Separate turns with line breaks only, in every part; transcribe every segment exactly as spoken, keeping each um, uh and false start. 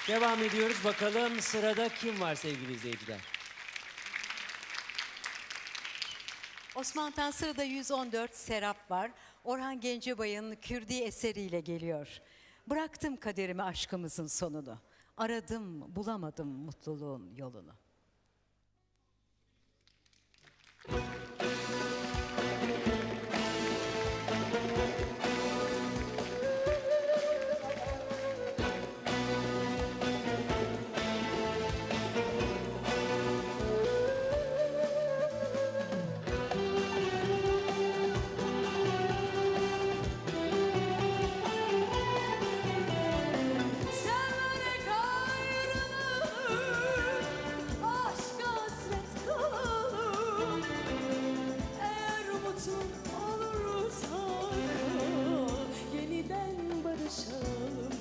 Devam ediyoruz. Bakalım sırada kim var sevgili izleyiciler?
Osman Tan sırada yüz on dört Serap var. Orhan Gencebay'ın Kürdi eseriyle geliyor. Bıraktım kaderimi aşkımızın sonunu. Aradım bulamadım mutluluğun yolunu.
Severek ayrılır, aşk hasret kalır. Eğer mutlu olursak yeniden barışalım,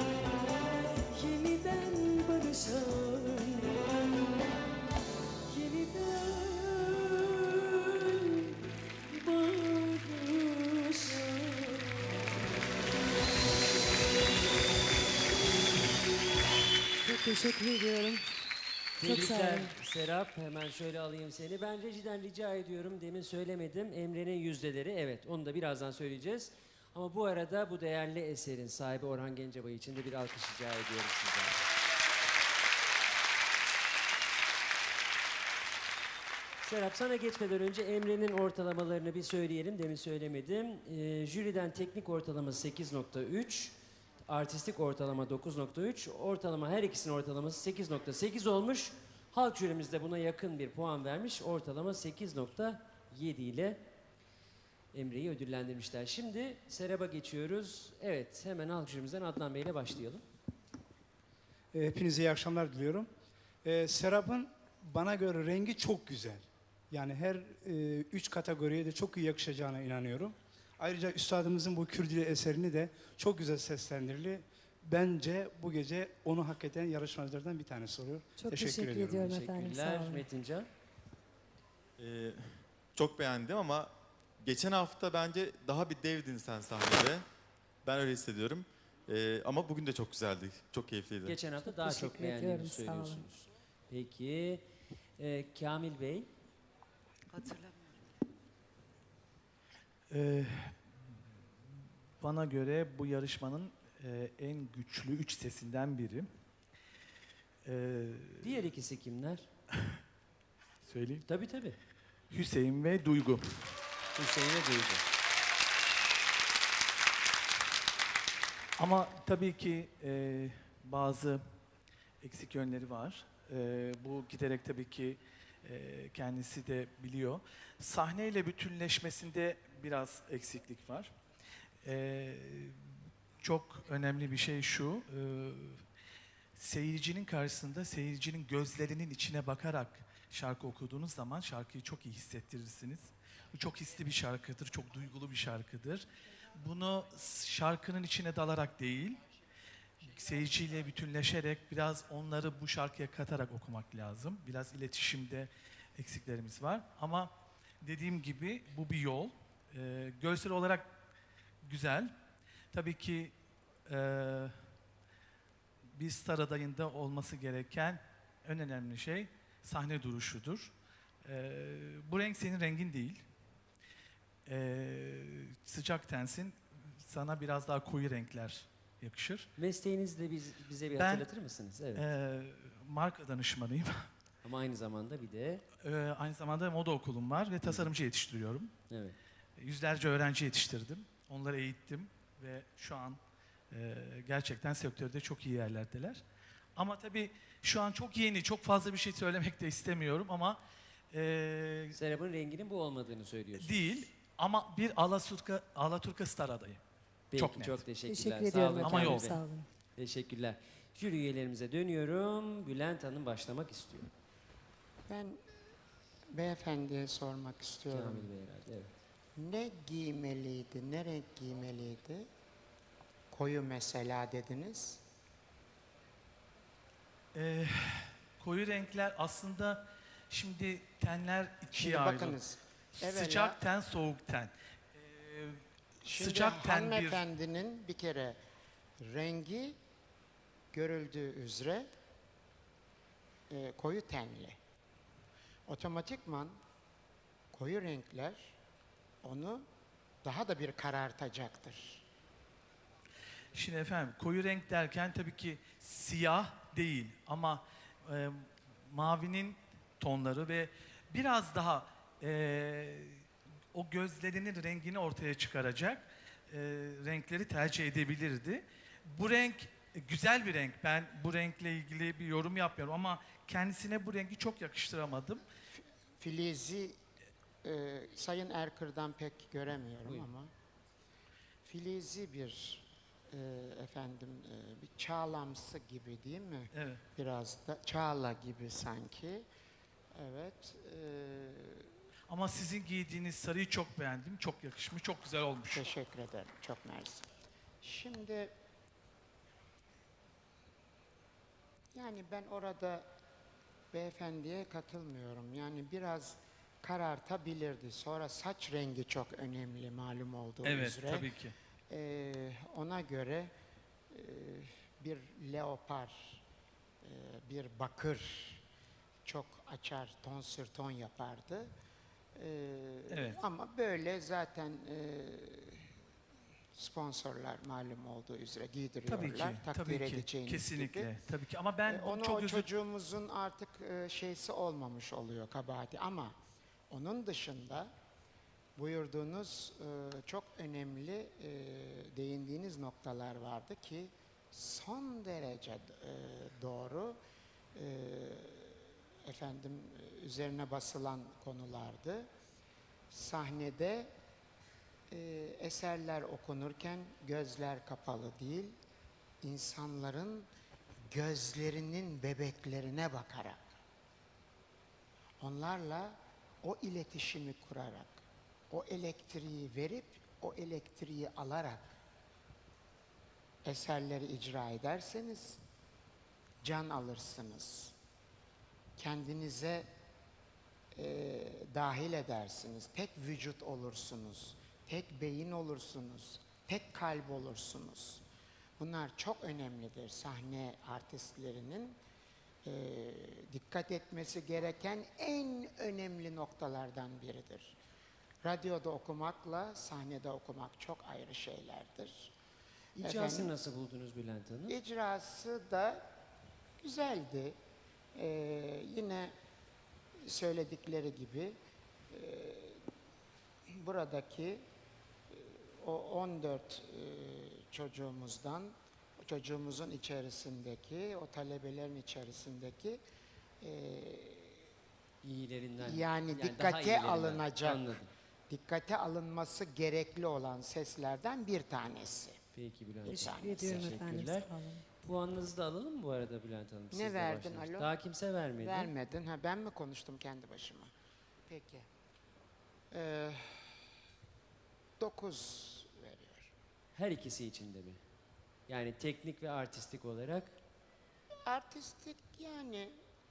yeniden barışalım, yeniden barışalım.
Çok teşekkür ediyorum. Çok sağ
Tebrikler
olun.
Serap. Hemen şöyle alayım seni. Ben rejiden rica ediyorum. Demin söylemedim. Emre'nin yüzdeleri. Evet, onu da birazdan söyleyeceğiz. Ama bu arada bu değerli eserin sahibi Orhan Gencebay için de bir alkış rica ediyorum sizden. Serap, sana geçmeden önce Emre'nin ortalamalarını bir söyleyelim. Demin söylemedim. Ee, jüriden teknik ortalama sekiz nokta üç, artistik ortalama dokuz nokta üç, ortalama her ikisinin ortalaması sekiz nokta sekiz olmuş. Halk jürimiz de buna yakın bir puan vermiş. Ortalama sekiz nokta yedi ile Emre'yi ödüllendirmişler. Şimdi Serap'a geçiyoruz. Evet, hemen halk jürimizden Adnan Bey ile başlayalım.
E, Hepinize iyi akşamlar diliyorum. E, Serap'ın bana göre rengi çok güzel. Yani her e, üç kategoriye de çok iyi yakışacağına inanıyorum. Ayrıca üstadımızın bu Kürdili eserini de çok güzel seslendirili. Bence bu gece onu hak eden yarışmacılardan bir tanesi oluyor.
Çok teşekkür, ediyorum efendim. Sağ
Teşekkürler
olun.
Metincan.
Ee, çok beğendim ama geçen hafta bence daha bir devdin sen sahnede. Ben öyle hissediyorum. Ee, ama bugün de çok güzeldi. Çok keyifliydi.
Geçen hafta
Çok
daha
teşekkür
çok beğendiğinizi
ediyorum, sağ olun.
söylüyorsunuz. Peki, e, Kamil Bey.
Ee, bana göre bu yarışmanın e, en güçlü üç sesinden biri. Ee,
Diğer ikisi kimler?
söyleyeyim.
Tabii tabii.
Hüseyin ve Duygu.
Hüseyin'e Duygu.
Ama tabii ki e, bazı eksik yönleri var. E, bu giderek tabii ki e, kendisi de biliyor. Sahneyle bütünleşmesinde biraz eksiklik var. E, çok önemli bir şey şu, e, seyircinin karşısında seyircinin gözlerinin içine bakarak şarkı okuduğunuz zaman şarkıyı çok iyi hissettirirsiniz. Bu çok hisli bir şarkıdır, çok duygulu bir şarkıdır. Bunu şarkının içine dalarak değil, seyirciyle bütünleşerek biraz onları bu şarkıya katarak okumak lazım. Biraz iletişimde eksiklerimiz var ama dediğim gibi bu bir yol. Ee, görsel olarak güzel. Tabii ki e, bir star adayında olması gereken en önemli şey sahne duruşudur. Ee, bu renk senin rengin değil. Ee, sıcak tensin, sana biraz daha koyu renkler yakışır.
Mesleğinizi de biz, bize bir
Ben-
hatırlatır mısınız? Evet.
Ee, marka danışmanıyım.
Ama aynı zamanda bir de
Ee, aynı zamanda moda okulum var ve tasarımcı yetiştiriyorum.
evet.
Yüzlerce öğrenci yetiştirdim. Onları eğittim ve şu an e, gerçekten sektörde çok iyi yerlerdeler. Ama tabii şu an çok yeni, çok fazla bir şey söylemek de istemiyorum ama e,
Serap'ın renginin bu olmadığını söylüyorsunuz.
değil. Ama bir Alaturka, Alaturka star adayı.
Peki,
çok net.
çok teşekkürler.
Teşekkür
Sağ
ediyorum
olun
Ama
Kamil
yol.
Bey.
Sağ olun.
Teşekkürler. Jüri üyelerimize dönüyorum. Bülent Hanım başlamak istiyor.
Ben beyefendiye sormak istiyorum.
Kamil Bey herhalde, evet.
Ne giymeliydi, ne renk giymeliydi? Koyu mesela dediniz.
Ee, koyu renkler aslında şimdi tenler ikiye
Şimdi
ayrılır.
bakınız. evvela-
Sıcak ten, soğuk ten. Ee,
Şimdi
sıcak ten bir...
hanımefendinin bir kere rengi görüldüğü üzere e, koyu tenli. Otomatikman koyu renkler onu daha da bir karartacaktır.
Şimdi efendim koyu renk derken tabii ki siyah değil ama e, mavinin tonları ve biraz daha e, o gözlerinin rengini ortaya çıkaracak e, renkleri tercih edebilirdi. Bu renk e, güzel bir renk. Ben bu renkle ilgili bir yorum yapmıyorum ama kendisine bu rengi çok yakıştıramadım.
Filizi e, Sayın Erkır'dan pek göremiyorum
Buyurun.
ama filizi bir e, efendim e, bir çağlamsı gibi değil mi?
Evet.
Biraz da çağla gibi sanki. Evet. E,
Ama sizin giydiğiniz sarıyı çok beğendim. Çok yakışmış, çok güzel olmuş.
teşekkür ederim. Çok mersi. Şimdi yani ben orada beyefendiye katılmıyorum. Yani biraz karartabilirdi. Sonra saç rengi çok önemli malum olduğu
Evet,
üzere.
tabii ki.
Ee, ona göre e, bir leopar, e, bir bakır çok açar, ton sür ton yapardı. Ee,
Evet.
Ama böyle zaten e, sponsorlar malum olduğu üzere giydiriyorlar.
Tabii ki,
takdir
tabii ki.
edeceğiniz
Kesinlikle,
gibi.
tabii ki. Ama ben
E, onu
çok
o
özür
çocuğumuzun artık e, şeysi olmamış oluyor kabahati ama onun dışında buyurduğunuz e, çok önemli e, değindiğiniz noktalar vardı ki son derece e, doğru e, efendim e, üzerine basılan konulardı. Sahnede e, eserler okunurken gözler kapalı değil, insanların gözlerinin bebeklerine bakarak, onlarla o iletişimi kurarak, o elektriği verip, o elektriği alarak eserleri icra ederseniz can alırsınız. Kendinize e, dahil edersiniz. Tek vücut olursunuz. Tek beyin olursunuz. Tek kalp olursunuz. Bunlar çok önemlidir sahne artistlerinin e, dikkat etmesi gereken en önemli noktalardan biridir. Radyoda okumakla sahnede okumak çok ayrı şeylerdir.
İcrasını
Efendim,
nasıl buldunuz Bülent Hanım?
İcrası da güzeldi. Ee, yine söyledikleri gibi e, buradaki e, o on dört e, çocuğumuzdan, çocuğumuzun içerisindeki, o talebelerin içerisindeki e,
İyilerinden.
yani,
daha
dikkate
iyilerinden.
alınacak,
Anladım.
dikkate alınması gerekli olan seslerden bir tanesi.
Peki Bülent Hanım.
Teşekkür ediyorum efendim.
Teşekkürler.
Sağ olun.
Puanınızı da alalım mı bu arada Bülent Hanım?
Ne
Sizle
verdin,
başlamıştık.
alo?
Daha kimse vermedi.
Vermedin. Ha, ben mi konuştum kendi başıma? Peki. Ee, dokuz veriyor.
Her ikisi içinde mi? Yani teknik ve artistik olarak
Artistik yani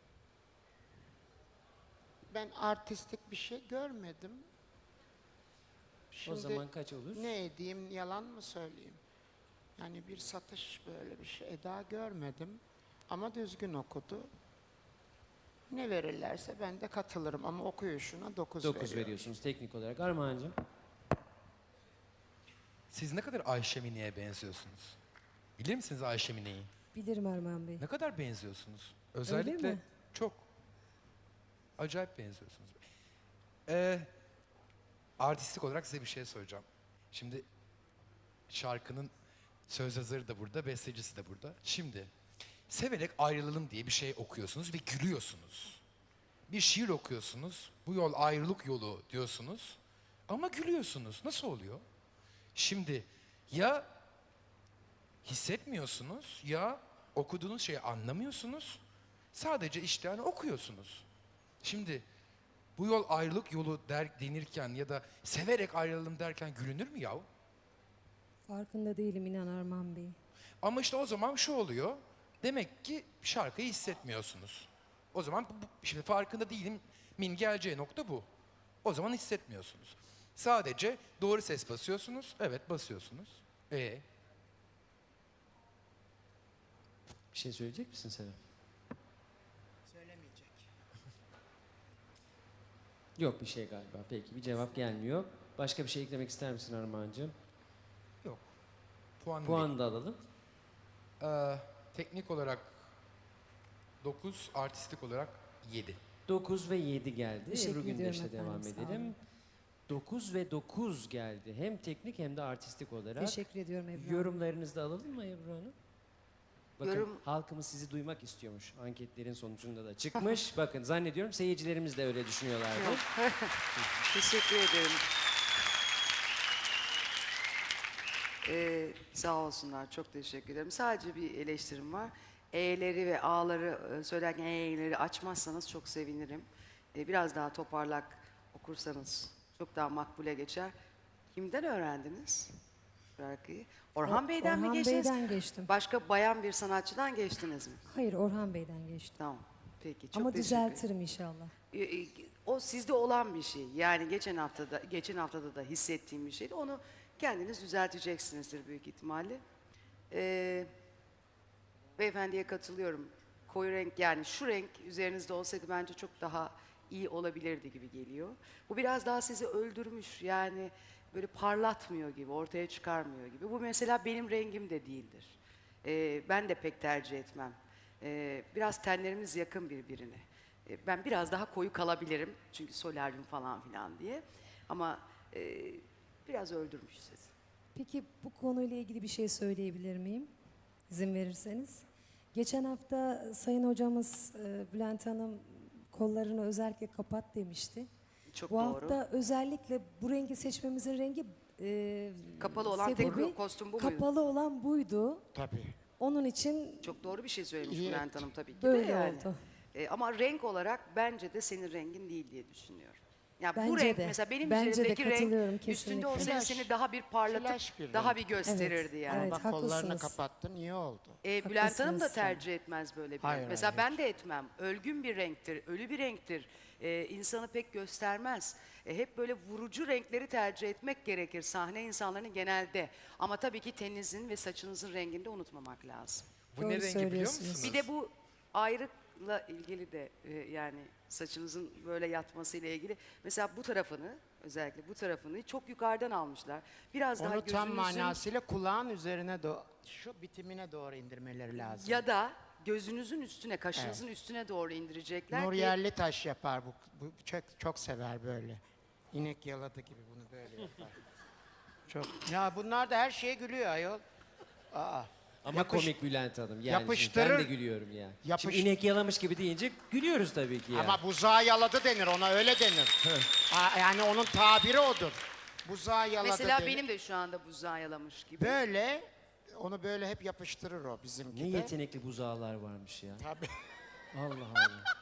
ben artistik bir şey görmedim. Şimdi
o zaman kaç olur?
ne edeyim, yalan mı söyleyeyim? Yani bir satış böyle bir şey daha görmedim. Ama düzgün okudu. Ne verirlerse ben de katılırım ama okuyuşuna dokuz
dokuz
veriyorum.
veriyorsunuz teknik olarak. Armağan'cığım.
Siz ne kadar Ayşe Mine'ye benziyorsunuz? Bilir misiniz Ayşe Mine'yi?
Bilirim Erman Bey.
Ne kadar benziyorsunuz? Özellikle
mi?
çok. Acayip benziyorsunuz. Ee, artistik olarak size bir şey soracağım. Şimdi şarkının söz yazarı da burada, bestecisi de burada. Şimdi severek ayrılalım diye bir şey okuyorsunuz ve gülüyorsunuz. Bir şiir okuyorsunuz, bu yol ayrılık yolu diyorsunuz ama gülüyorsunuz. Nasıl oluyor? Şimdi ya hissetmiyorsunuz ya okuduğunuz şeyi anlamıyorsunuz. Sadece işte hani okuyorsunuz. Şimdi bu yol ayrılık yolu der, denirken ya da severek ayrılalım derken gülünür mü yahu?
Farkında değilim inan Erman Bey.
Ama işte o zaman şu oluyor. Demek ki şarkıyı hissetmiyorsunuz. O zaman bu- bu- şimdi farkında değilim. Min geleceği nokta bu. O zaman hissetmiyorsunuz. Sadece doğru ses basıyorsunuz. Evet basıyorsunuz. E
Bir şey söyleyecek misin Serap?
Söylemeyecek.
Yok bir şey galiba. Peki bir cevap gelmiyor. Başka bir şey eklemek ister misin Armağan'cığım?
Yok. Puan,
Puan da alalım.
Ee, teknik olarak dokuz, artistik olarak yedi.
dokuz ve yedi geldi.
Teşekkür
Ebru
ediyorum
Gündeş'le devam
efendim, sağ
edelim.
olun.
dokuz ve dokuz geldi. Hem teknik hem de artistik olarak.
Teşekkür ediyorum Ebru Hanım.
Yorumlarınızı da alalım mı Ebru Hanım? Bakın
Yorum-
halkımız sizi duymak istiyormuş. Anketlerin sonucunda da çıkmış. Bakın zannediyorum seyircilerimiz de öyle düşünüyorlardı.
Teşekkür ederim. Ee, sağ olsunlar, çok teşekkür ederim. Sadece bir eleştirim var. E'leri ve A'ları e, söylerken E'leri açmazsanız çok sevinirim. Ee, biraz daha toparlak okursanız çok daha makbule geçer. Kimden öğrendiniz şarkıyı? Orhan
O-
Bey'den
Orhan
mi geçtiniz?
Bey'den geçtim.
Başka bayan bir sanatçıdan geçtiniz mi?
Hayır, Orhan Bey'den geçtim.
Tamam. Peki, çok
Ama
teşekkür ederim.
düzeltirim inşallah.
E, e, O sizde olan bir şey. Yani geçen haftada geçen haftada da hissettiğim bir şeydi. Onu kendiniz düzelteceksinizdir büyük ihtimalle. Ee, beyefendiye katılıyorum. Koyu renk, yani şu renk üzerinizde olsaydı bence çok daha iyi olabilirdi gibi geliyor. Bu biraz daha sizi öldürmüş. Yani böyle parlatmıyor gibi, ortaya çıkarmıyor gibi. Bu mesela benim rengim de değildir. Ee, ben de pek tercih etmem. Ee, biraz tenlerimiz yakın birbirine. Ee, ben biraz daha koyu kalabilirim. Çünkü solaryum falan filan diye. Ama e, biraz öldürmüş sizi.
Peki bu konuyla ilgili bir şey söyleyebilir miyim? İzin verirseniz. Geçen hafta Sayın Hocamız e, Bülent Hanım kollarını özellikle kapat demişti.
Çok
Bu
doğru.
hafta özellikle bu rengi seçmemizin rengi e,
Kapalı olan
sebebi
tek kostüm bu muydu?
kapalı olan buydu.
Tabii.
Onun için
Çok doğru bir şey söylemiş
İyi
Bülent Hanım tabii ki
böyle
de yani.
oldu.
E, ama renk olarak bence de senin rengin değil diye düşünüyorum. Ya bu
Bence
renk
de.
mesela benim
Bence de
üzerimdeki renk
katılıyorum
üstünde
kesinlikle.
olsaydı
Flash.
seni daha bir parlatıp
Flash bir
daha
renk.
bir gösterirdi yani.
Evet,
Bak kollarını
haklısınız.
kapattın, iyi oldu.
E, Bülent Hanım da
Haklısınız.
tercih etmez böyle bir
Hayır,
renk. Mesela
hayır,
ben de etmem. Ölgün bir renktir, ölü bir renktir. E, insanı pek göstermez. E, hep böyle vurucu renkleri tercih etmek gerekir sahne insanlarının genelde. Ama tabii ki teninizin ve saçınızın rengini de unutmamak lazım.
Bu
Doğru
ne rengi biliyor
söylüyorsunuz.
musunuz?
Bir de bu ayrıkla ilgili de e, yani saçınızın böyle yatmasıyla ilgili. Mesela bu tarafını, özellikle bu tarafını çok yukarıdan almışlar. Biraz daha
Onu tam
gözünüzün
manasıyla kulağın üzerine doğru, şu bitimine doğru indirmeleri lazım.
ya da gözünüzün üstüne, kaşınızın üstüne doğru indirecekler
Nur
ki
Yerli Taş yapar bu, bu çok, çok sever böyle. İnek yaladı gibi bunu böyle yapar. Çok. Ya bunlar da her şeye gülüyor ayol. Aa.
Ama
Yapış-
komik Bülent Hanım. Yani
yapıştırır-
şimdi ben de gülüyorum ya.
Yapış-
Şimdi inek yalamış gibi deyince gülüyoruz tabii ki ya.
Ama buzağı yaladı denir, ona öyle denir. Aa, yani onun tabiri odur. Buzağı yaladı
mesela
denir.
benim de şu anda buzağı yalamış gibi.
Böyle, onu böyle hep yapıştırır o bizimki
Ne
de.
yetenekli buzağlar varmış ya.
Tabii.
Allah Allah.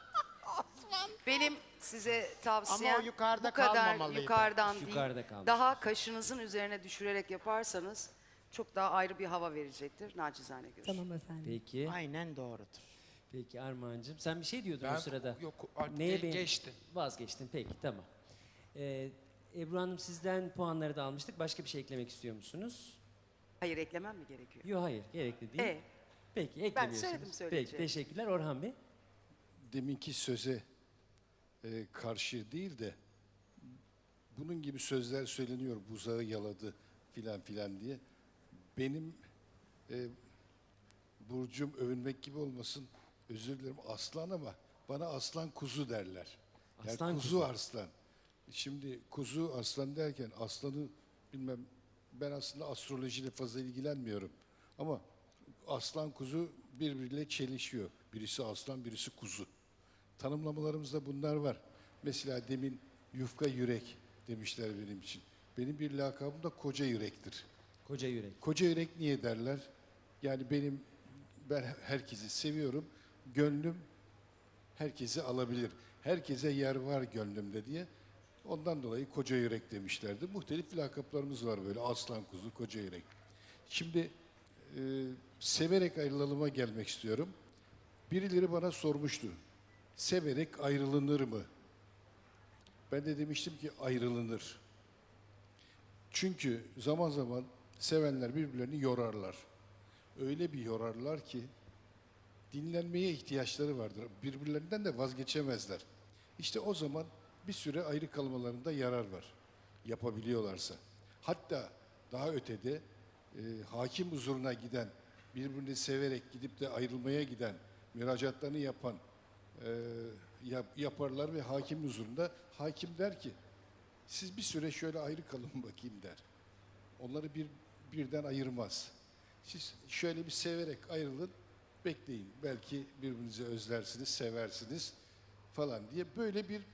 Benim size tavsiyem
Ama o yukarıda
bu kadar
kalmamalıydı.
yukarıdan değil,
Yukarıda kalmış.
daha kaşınızın üzerine düşürerek yaparsanız çok daha ayrı bir hava verecektir. Naçizane görüşüm.
Tamam efendim.
Peki.
Aynen doğrudur.
Peki Armağan'cığım. Sen bir şey diyordun
Ben
o sırada.
yok artık
Neye
ge-
beğen-
geçtim.
Vazgeçtin. Peki tamam. Ee, Ebru Hanım sizden puanları da almıştık. Başka bir şey eklemek istiyor musunuz?
Hayır, eklemem mi gerekiyor?
Yok hayır. Gerekli değil.
E,
Peki eklemiyorsunuz.
söyledim
Peki
söyleyeceğimi.
teşekkürler Orhan Bey.
Deminki söze e, karşı değil de bunun gibi sözler söyleniyor, buzağı yaladı filan filan diye. Benim e, burcum övünmek gibi olmasın, özür dilerim aslan ama bana aslan kuzu derler. Yani
Aslan
kuzu,
kuzu.
arslan. Şimdi kuzu aslan derken aslanı bilmem, ben aslında astrolojiyle fazla ilgilenmiyorum. Ama aslan kuzu birbiriyle çelişiyor. Birisi aslan, birisi kuzu. Tanımlamalarımızda bunlar var. Mesela demin yufka yürek demişler benim için. Benim bir lakabım da koca yürektir.
Koca yürek.
Koca yürek niye derler? Yani benim, ben herkesi seviyorum. Gönlüm herkesi alabilir. Herkese yer var gönlümde diye. Ondan dolayı koca yürek demişlerdi. Muhtelif lakaplarımız var böyle. Aslan kuzu, koca yürek. Şimdi e, severek ayrılalıma gelmek istiyorum. Birileri bana sormuştu. Severek ayrılınır mı? Ben de demiştim ki ayrılınır. Çünkü zaman zaman sevenler birbirlerini yorarlar. Öyle bir yorarlar ki dinlenmeye ihtiyaçları vardır. Birbirlerinden de vazgeçemezler. İşte o zaman bir süre ayrı kalmalarında yarar var. Yapabiliyorlarsa. Hatta daha ötede e, hakim huzuruna giden, birbirini severek gidip de ayrılmaya giden, müracaatlarını yapan e, yap- yaparlar ve hakim huzurunda hakim der ki siz bir süre şöyle ayrı kalın bakayım der. Onları bir birden ayırmaz. Siz şöyle bir severek ayrılın, bekleyin. Belki birbirinizi özlersiniz, seversiniz falan diye böyle bir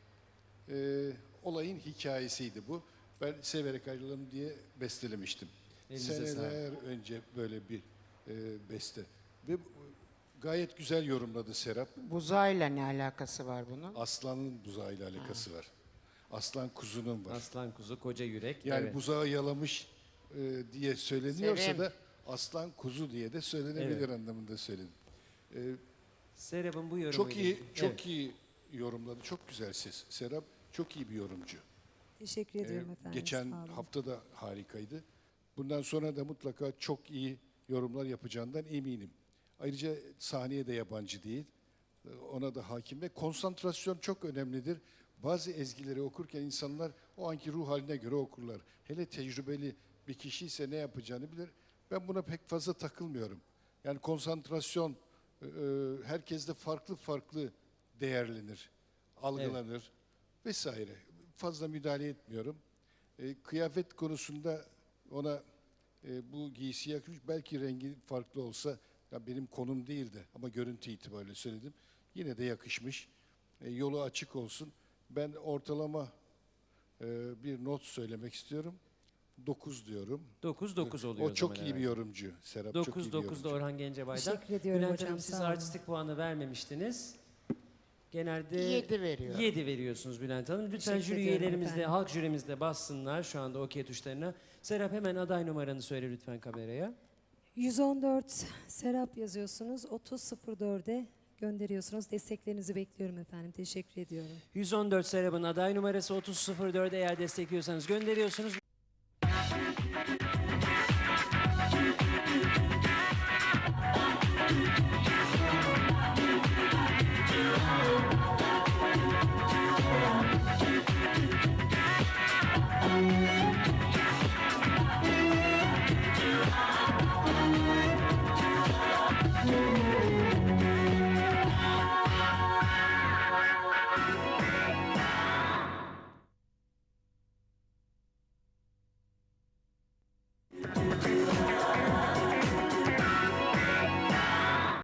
e, olayın hikayesiydi bu. Ben severek ayrılalım diye bestelemiştim.
Elinize
Seneler önce böyle bir e, beste. Ve bu- gayet güzel yorumladı Serap.
Buzağıyla ne alakası var bunun?
Aslanın buzağıyla alakası var. Aslan kuzunun var.
Aslan kuzu, koca yürek.
Yani
evet.
buzağı yalamış e, diye söyleniyorsa
Severim.
da aslan kuzu diye de söylenebilir
Evet.
anlamında söyledim. E,
Serap'ın bu yorumu.
çok iyi, çok iyi yorumladı. Çok güzel ses. Serap çok iyi bir yorumcu.
Teşekkür
E,
ediyorum efendim.
geçen
sağ olun.
hafta da harikaydı. Bundan sonra da mutlaka çok iyi yorumlar yapacağından eminim. Ayrıca sahneye de yabancı değil. E, Ona da hakim ve konsantrasyon çok önemlidir. Bazı ezgileri okurken insanlar o anki ruh haline göre okurlar. Hele tecrübeli bir kişi ise ne yapacağını bilir. Ben buna pek fazla takılmıyorum. Yani konsantrasyon e, e, herkeste farklı farklı değerlenir, algılanır vesaire. Fazla müdahale etmiyorum. E, kıyafet konusunda ona e, bu giysi yakışmış. Belki rengi farklı olsa, ya benim konum değildi ama görüntü itibariyle söyledim. Yine de yakışmış. E, yolu açık olsun. Ben ortalama e, bir not söylemek istiyorum. dokuz diyorum.
dokuz dokuz oluyor
O çok
zaman
iyi bir
herhalde.
yorumcu. Serap çok iyi
dokuz
bir
dokuzda
yorumcu.
Orhan Gencebay'dan.
Teşekkür ediyorum
Bülent
hocam,
Hanım siz
sağ olun.
artistik puanı vermemiştiniz. Genelde
Yedi veriyor.
yedi veriyorsunuz Bülent Hanım. Lütfen
Teşekkür
jüri
ediyorum
üyelerimiz de,
efendim.
halk jürimiz de bassınlar şu anda okey tuşlarına. Serap hemen aday numaranı söyle lütfen kameraya.
yüz on dört Serap yazıyorsunuz. otuz sıfır dörde gönderiyorsunuz. Desteklerinizi bekliyorum efendim. Teşekkür ediyorum.
yüz on dört Serap'ın aday numarası otuz sıfır dört eğer destekliyorsanız gönderiyorsunuz.